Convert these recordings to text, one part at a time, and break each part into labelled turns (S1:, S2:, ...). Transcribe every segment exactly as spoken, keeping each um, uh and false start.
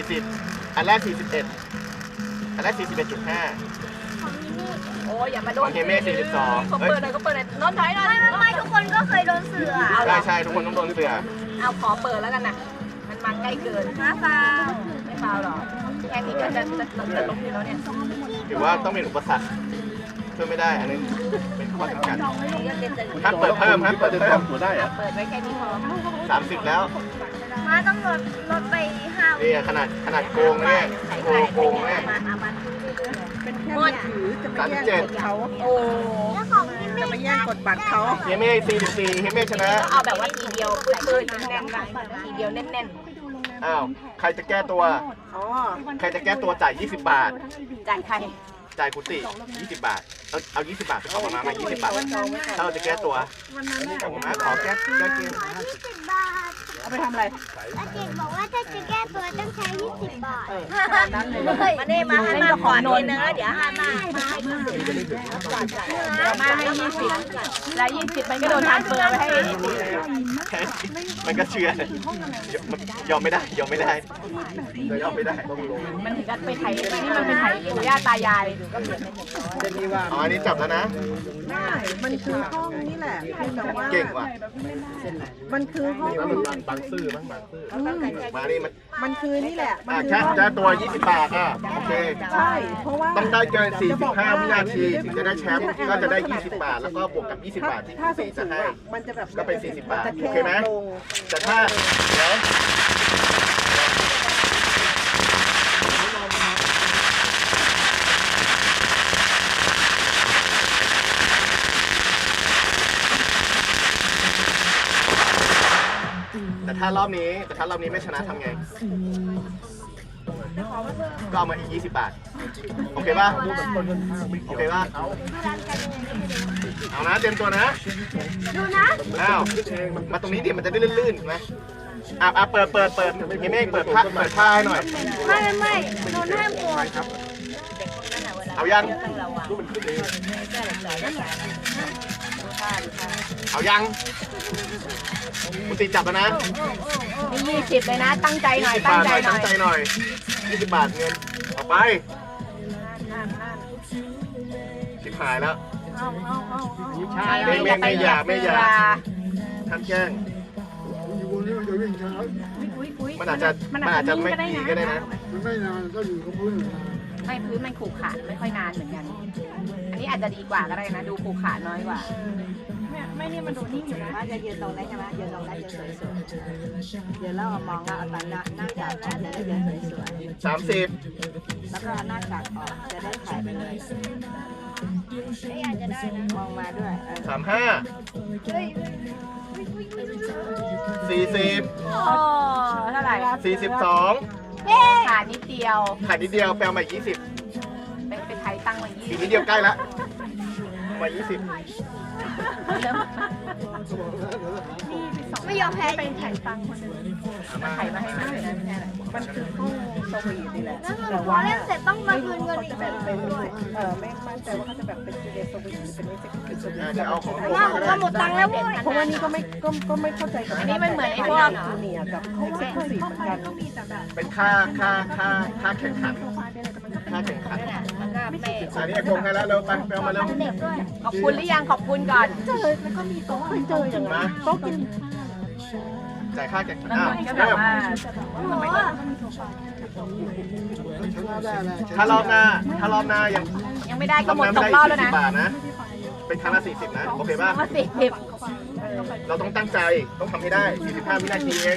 S1: สิบอันแรกสี่สิบเอ็ดอันแรกสี่สิบเอ็ดจุดห้า
S2: โอ้ยอย่ามาโดน
S1: โอเคเมฆสี่สิบสอง
S2: เขาเปิดเลยเขาเปิดเลยนอนถอยนอน
S3: ไม่ไม่ทุกคนก็เคยโดนเสือ
S1: ใช่ใช่ทุกคนต้องโดนเสือ
S2: เอาขอเปิดแล้วกันนะมันมันใกล้เกิน
S3: มาฟาว
S2: ไม่ฟาวหรอกแค่นี้ก็จะจะจะล้มอยู่แล้วเนี่ย
S1: ถือว่าต้องเป็นอุปสรรคช่วยไม่ได้อันนี้เป็นข้อจำกัดห้ามเปิดเพิ่มห้ามเปิดเพิ่ม
S4: ตัวได้อะ
S2: เปิดไว้แค่นี้พอ
S1: สามสิบแล้ว
S3: มาต้องลดลดไปห้า
S1: นี่ขนาดขนาดโกงเนี่ยโกงโกงเนี่ย
S5: เป็นแค่มือถือจะไม่แย่งกดเขา
S2: โอ้
S3: แล้วของที่ไม่
S5: จะไม่แย่งกดบัตรเขา
S1: เฮเมฆสี่สิบสี่เฮเมฆชนะ
S2: ก็เอาแบบว่าทีเดียวปืนๆแน่นๆทีเดียวแน่น
S1: อ้าวใครจะแก้ตัว
S5: อ๋อ
S1: ใครจะแก้ตัวจ่ายยี่สิบบาท
S2: ๆจ่ายใคร
S1: จ่ายกุฏิยี่สิบบาทเอาเอายี่สิบบาทไปขอประมาณมายี่สิบบาทถ้าเราจะแก้ตัวขอมาขอแก้แก้เกม
S3: ยี่สิบบาท
S5: เอาไปทำอะไร
S3: อาเจกบอกว่าถ้าจะแก้ตัวต้องใช้ยี่สิบบาท
S5: นั้นเลย
S3: มาเน่มาให้มาก่อนนิดนึงแล้วเดี๋ยวให้มามาให้ยี่สิบ
S2: เดี๋ยวมาให้ยี่สิบแล้วยี่สิบมันก็โดนทานเฟอร์ไปให้
S1: แค่มันก็เชื่อยอมไม่ได้ยอมไม่ได้ยอมไม่ได้ต้องลง
S2: มันถึงกับไปไถนี่มันไปไถปู่ย่าตายายก็เหมือน
S1: อ๋ออันนี้จับแล้วนะ
S5: ได้มันคือห้องนี่แหละแต่ว่า
S1: เก่งว่ะ
S5: มันคือห้อง
S1: นี่ว่ามันบางซื่อมั้งบางซื่อมานี่มัน
S5: มันคือนี่แหละ มั
S1: อ่ะ
S5: คือ
S1: แค่
S5: ห้อง
S1: แค่ตัวยี่สิบบาทอ่ะโอเค
S5: ใช่ เพราะว่า
S1: ต้องได้เกินสี่สิบห้าวินาทีถึงจะได้แชมป์ก็จะได้ยี่สิบบาทแล้วก็บวกกับยี่สิบบาทที่
S5: ถ้า
S1: คุณ
S5: สู
S1: ตี
S5: ง
S1: จะ
S5: สูง
S1: ให้
S5: อ่ะมันจะแบบ
S1: ก็เป็นสี่สิบบาท
S5: จะ
S1: โอเคไหม
S5: ลง
S1: แต่ถ้าเดี๋ยวแต่ถ้ารอบนี้แต่ถ้ารอบนี้ไม่ชนะทำไง ก็เอามาอีกยี่สิบบาท โอเคป่ะ โอเคป่ะ เอานะเตรียมตัวนะ
S3: ดูนะ
S1: อ้าว มาตรงนี้ดิมันจะได้ลื่นๆนะอ่ะอ่ะเปิดเปิดเปิดเฮเมฆเปิดผ้าเปิดผ้าให้หน่อย
S3: ไม่ไม่ไม่โดนห้ามกด
S1: เอายัง เอายังคุณตีจับแล้วนะ
S2: นี่ยี่สิบเลยนะ ตั้งใจหน่อย
S1: ยี่สิบ
S2: ตั้ง
S1: บาท
S2: ใจ
S1: หน่อย
S2: หน่
S1: ตั้
S2: อง ย
S1: ใจหน่อยยี่สิบบาทเงินออกไปสิบหายแล้ว
S2: ไม่ไม่ไม่อย่าไม่อย่า
S1: ท่านแจ้งมันอาจจะมันอาจจะไม่ดีก็ได้นะ
S4: ไม่นานก็อยู่กับพื้น
S2: ไม่พื้นมันขูกขาดไม่ค่อยนานเหมือนกัน อันนี้อาจจะดีกว่าก็ได้นะ ดูขูกขาดน้อยกว่า
S5: ไม่นี่มันดูนิ่งอยู่นะว่าจะยืนตรงนั้นใช่ไหมยืนตรงนั้นจะสวยๆเดี๋ยวเรามองเราเอาตาหน้าหน้ากากออกจะได้ยืนสวย
S1: สามสิบ
S5: ๆแล้วก็เอาหน้ากากออกจะได้ถ่ายไปเลยมองมาด้วยเออ
S1: สามห้าสี่สิบ
S2: โอ้เท่าไหร่
S1: สี่สิบสอง
S2: ขาดนิดเดียว
S1: ขายนิดเดียวแปลมายี่สิบ
S2: ไปไปไทยตั้งไว้ยี่
S1: อีก
S2: สิ
S1: นิ
S2: บ
S1: ดเดียวใกล้ละมายี่สิบ
S2: เริ่ม
S3: ไม่ยอมแพ้จริง
S2: ไทยตั้งคนหนึ่งมาไทยมาให้มาเลยนะไม่ใช่อะไร
S5: มันคือห้องสวีทนี่แหละ
S3: แล้วพอเล่นเสร็จต้องมาคืนเงินอีกแบบนึงด้วย
S5: เออไม่มั่นใจว่าเขาจะแบบเป็นจูเลียสวีทหรือเป็นเอ็กซ์คิวสวีท
S1: เดี๋ยวเอาของผม
S3: ว่า
S1: มาก็
S3: ก็
S1: ได้
S3: หมดตังค์แล้วเว้ย
S5: เพราะว่านี่ก็ไม่ก็ก็ไม่เข้าใจกับ
S2: อันนี้มันเหมือนไอ้พวก
S5: จูเนียร์กับเอ็กซ์คิวซีฟเหมือนกัน
S1: เป็นค่าค่าค่าค่าแข่งขันค่าแข่งขัน
S2: แล้วก็ไม่
S1: อันนี้ไอ้กงให้แล้วเร็วไปไปเอามาเร็ว
S2: ขอบคุณหรือยังขอบคุณก่อน
S5: เจอแล้วก็มีโต๊ะเคยเจออย่างนั้นโต๊ะกิน
S1: จ่ายค่าแข่งขัน
S2: แล้ว
S1: อ้าว
S2: มันก็แบบว่า
S4: ชนะได้แล้ว
S1: ถ้ารอบหน้าถ้ารอบหน้ายัง
S2: ยังไม่ได้
S1: ร
S2: ก็
S1: อบ
S2: หม
S1: ห
S2: ด
S1: น้า
S2: ส
S1: ไม่
S2: อง
S1: ได้
S2: รอบ
S1: อีก
S2: แล้ว นะ
S1: สี่สิบบาทนะ เป็นครั้งละสี่สิบนะ โอเคป่ะ
S2: มาสี่สิบ
S1: เราต้องตั้งใจต้องทำให้ได้สี่สิบห้าวินาทีเอง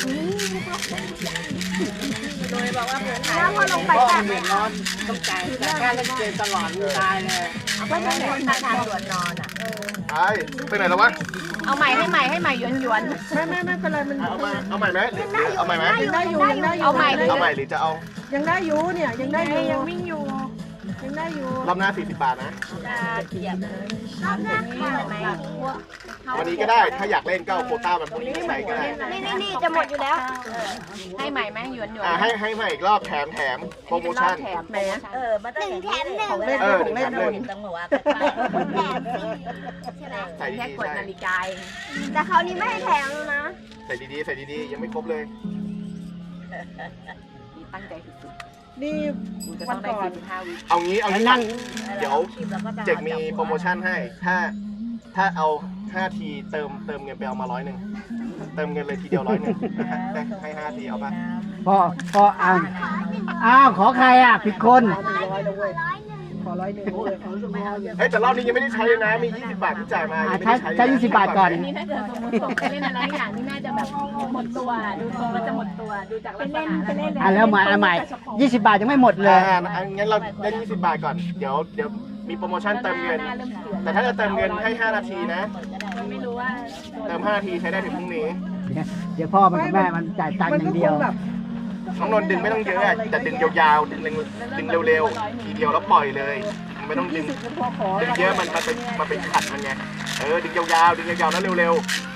S2: โดยบอกว่าเพื่อนไทย
S3: แล้วพอลงไปแตะ
S5: ต้องจ่ายแต่แค่เล่นเกมตลอดตายเลย
S2: ไม่ใช่แบบทางทางด่วนนอนอ่ะ
S1: ไปไปไหนแล้ววะ
S2: เอาใหม่ให้ใหม่ให้ใหม่หยวนหยวน
S5: ไม่ไม่ไม่เป็นไรมัน
S1: เอามาเอาใหม่ไหมหรือเอาใหม่ไหม
S5: ยังได้อยู่ยังได้อยู่
S2: เอาใหม่เลย
S1: เอาใหม่หรือจะเอา
S5: ยังได้อยู่เนี่ยยังได้อยู่ยังวิ่งอยู่ยังได้อยู่
S1: รอบหน้าสี่สิบบาทนะ
S2: จะเกียบ
S3: รอบหน้าค่ะ
S2: ไหม
S1: วันนี้ก็ได้ ถ้าอยากเล่นก็เอาโควต้ามันพวกนี้ไปใช้ก็ได้
S3: นี่นี่นี่จะหมดอยู่แล้ว
S2: ให้ใหม่ไหมหยวนหยวน
S1: อ่าให้ให้มาอีกรอบแถมแถมโปรโมชั่น
S2: แถม
S5: แหม
S2: เออมา
S3: หนึ่งแถมหนึ่ง
S5: ของเล่น
S1: เออ
S5: ของเล่น
S1: หนึ่งแถมหนึ่ง
S2: ต้องบอกว่า
S3: แถมฟรีใช่ไหม
S1: ใส่
S2: แค่
S1: ดี
S2: ก
S1: ๆ
S2: ด
S1: ใช่
S2: นาฬิกาเอง
S3: แต่คราวนี้ไม่ให้แถมแล้วนะ
S1: ใส่ดีๆใส่ดีๆยังไม่ครบเลย
S2: ดตั้งใจสุด
S4: นี่
S2: ๆกูจะต้องได้สี่สิบห้าวิ
S1: เอางี้เอางี้
S6: นั่ง
S1: เดี๋ยวเจกมีโปรโมชั่นให้ ถ้าถ้าเอาห้าทีเติมเติมเงินไปเอามาร้อยหนึ่งเติมเงินเลยทีเดียวร้อยหนึ่งได้ให้ห้าทีเอาปะ
S6: พอพออ้าวอ้าวขอใครอ่ะผิดคน
S4: ร้อยนะเว้ยขอร้อยหนึ่งเลยขอไม่เอาเลย
S1: เฮ้ยแต่รอบนี้ยังไม่ได้ใช้เลยนะ มียี่สิบบาทที่จ่ายมายัง
S6: อ่ะ
S1: ไม่
S6: ใช้
S1: ได้ใช้
S6: ใช้ยี่สิบบาทก่อน
S2: อันนี้ถ้าเกิดสมมติส่งไปเล่นอะไรอย่างนี้น่าจะแบบหมดตัวดูทรงแล้วจะหมดตัวดูจากลักษณะแล้ว
S6: อ่ะแล้วใหม่อ่ะใหม่ยี่สิบบาทยังไม่หมดเลย
S1: อ่างั้นเราได้ยี่สิบบาทก่อน เดี๋ยวเดี๋ยวมีโปรโมชั่นเติมเงิน แต่ถ้าจะเติมเงินให้ห้านาทีนะ
S2: ไม่รู้ว่า
S1: เติมห้านาทีใช้ได้ถึงพรุ่งนี้
S6: เดี๋ยวพ่อมันกับแม่มันจ่ายตังค์อย่างเดียว
S1: น้องนนท์ดึงไม่ต้องเยอะอะแต่ดึงยาวๆ ดึงดึงเร็วๆ ทีเดียวแล้วปล่อยเลย ไม่ต้องดึง ดึงเยอะมันมันเป็นมันเป็นขัดมันไง เออ ดึงยาวๆ ดึงยาวๆ แล้วเร็ว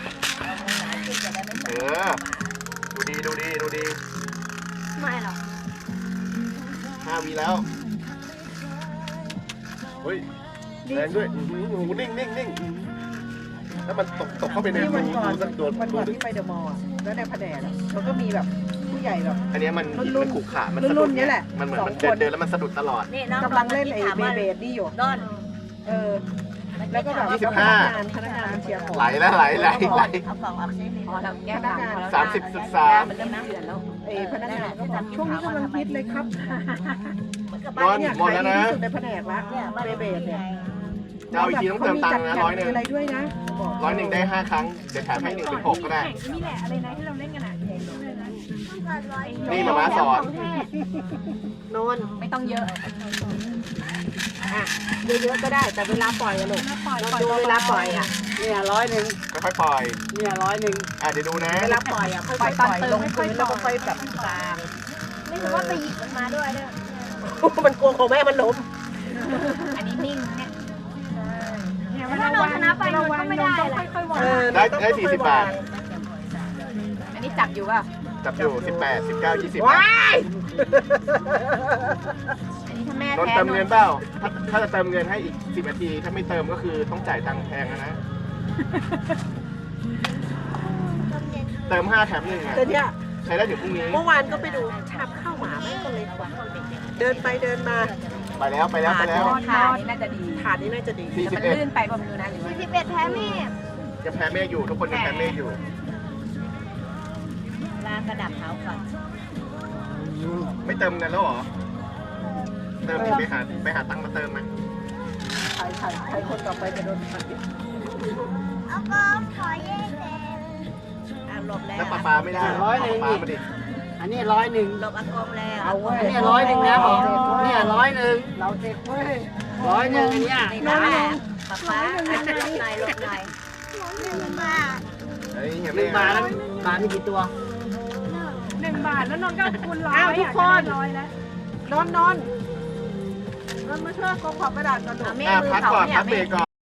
S1: ๆ เออ ดูดีดูดีดูดี
S3: ไม่หรอก
S1: ห้าวีแล้ว เฮ้ยแรงด้วยอื้อหือโอ้โหนิ่งนิ่งนิ่งแล้วมันตกตกเข้าไปใน
S4: นี่
S1: รู
S4: วันก่อน
S1: ดูสักตัว
S4: วัน
S1: ดู
S4: ก่อน
S1: ดิ
S4: ที่ไปเดอะมอลล์อะแล้วในแผนกอะมันก็มีแบบผู้ใหญ่แบบ
S1: อันเนี้ยมัน
S4: รุ่นๆ
S1: มันขรุขระมัน
S4: รุ่
S1: สะ
S4: นๆ
S1: ดุด
S4: นี่แหละ
S1: มันเหมือน
S4: สอง
S1: มันเดิน
S4: คน
S1: เดินแล้วมันสะดุดตลอด
S3: นี่น้อง
S4: กำลังเล่นไอ้เบเบดนี่อยู่
S3: นอน
S4: เออ แล้วก็แบบ
S1: ยี่สิบห้า
S4: พนักงานพนักงานมาเชียร์ของ
S1: ไหลแล้วไหลไหลไหล
S3: เอากล่องออกซิ
S2: พอเราแก้ต่างพอเรา
S1: สามสิบจุดสาม
S2: มันเริ่มเดือนแล้ว
S4: ไอ้พนักงานก็บอกช่วงนี้กำลังฮิตเลยครับ
S3: เหมือนกับ
S1: น
S3: บ้า
S1: อน น
S4: เนี่ย
S1: หมดแล้วนะ
S4: ขายดีที่สุดในแผนกละ
S3: เนี่ยบ้าน
S4: เบเบดเนี่ย
S1: จะเอาอีกทีต้องเติมตังค์นะร้อยหนึ่ง
S4: มีอะไรด้วยนะบอก
S1: ร้อยหนึ่งได้ห้าครั้ง เดี๋ยวแถมให้หนึ่งเป็นหกก็ได้
S2: นี่แหละอะไรนะที่เราเล่นกันอ่ะ
S1: นี่มาม้าสอน
S4: นน
S2: ไม่ต้องเยอะ
S4: เยอะๆก็ได้แต่เวลาปล่อยอะลูกเราดูเวลาปล่อยอะ
S6: เนี่ยร้อยหนึ่ง
S1: ค่อยๆปล่อย
S6: เนี่ยร้อยหนึ่ง
S1: อ่ะเดี๋ยวดูนะ
S4: เวลาปล่อยอะค่อยๆปล่อยลงพื้นแล้วก็ค่อยแบบกลาง
S3: ไม่รู้ว่าไปหยิบมันมาด้วยเนี่ย
S4: มันกลัวของแม่มันล้ม
S2: อันนี้นิ่งเนี่ย
S3: ถ้าเราชนะไปมันก็ไม่ได้แหละ
S4: เออ
S1: ได้ได้สี่สิบบาท
S2: อันนี้จับอยู่ป่ะ
S1: จับอยู่สิบแปด สิบเก้า ยี่สิบ
S4: ว้าย
S2: อันนี้ถ้าแม่
S1: นนท์
S2: แพ้
S1: เติมเงินเปล่า ถ้าถ้าจะเติมเงินให้อีกสิบนาที ถ้าไม่เติมก็คือต้องจ่ายตังค์แพงนะ เติมห้าแถมหนึ่งอ่ะ
S4: แต่เนี่ย
S1: ใช้ได้ถึงพรุ่งนี้
S4: เมื่อวานก็ไปดูชามข้าวหมาแม่งก็เล็กกว่าเดินไปเดินมา
S1: ไปแล้วไปแล้วไปแล้ว
S2: ค่ะนี่น่าจะดี
S4: ถาดนี้น่าจะดี
S1: สี่
S2: แต่
S1: สิ
S2: มั
S1: บ
S2: น
S1: เอ็ด
S2: ลื่นไปป่ะไม่รู้นะหรือว่า
S3: สิบเอ็ดแพ้แม่
S1: ยังแพ้เมฆอยู่ ทุกคนยังแพ้เมฆอยู่
S3: ลากระดับเท้าก่อน
S1: ไม่เติมเงินแล้วเหรอ เติมดิไปหาไปหาตังค์มาเติมไหม
S4: ใครใครใครคนต่อไปจะโดนตัด
S3: เอาก็ขอเย่เต็มอ่ะหลบแล้ว
S1: แล้วปลาปลาไม่ได้ปลาปลามาดิ
S6: อันนี้ร้อยหนึ่ง
S3: หลบอากงแล้ว
S4: เอาเว้ย
S6: อันนี้ร้อยหนึ่งนะบอกเนี่ยร้อยหนึ่ง
S4: เราเด็กเว้ย
S6: ร้อยหนึ่งอันเนี้ย
S3: นี่นะป๊าป๊าหลบหน่อยหลบหน่อยหนึ่งบาท
S1: เฮ้ยเห็น
S6: ห
S1: ไหม
S6: นึ่งบาทแล้วบาทมีกี่ตัว
S2: หนึ่งบาทแล้วนนท์ก็คูณร้อย
S4: อ้าวทุกคน
S2: ร้อยแล้ว
S4: นอนนอนนอนมาช่วยกองขอบกระดาษก่อนหนู
S2: เอาเมฆ
S1: อ่ะ
S2: มือ
S1: พัก
S2: เขา
S1: ก่อน
S2: เนี่ย
S1: พักเบรกก่อน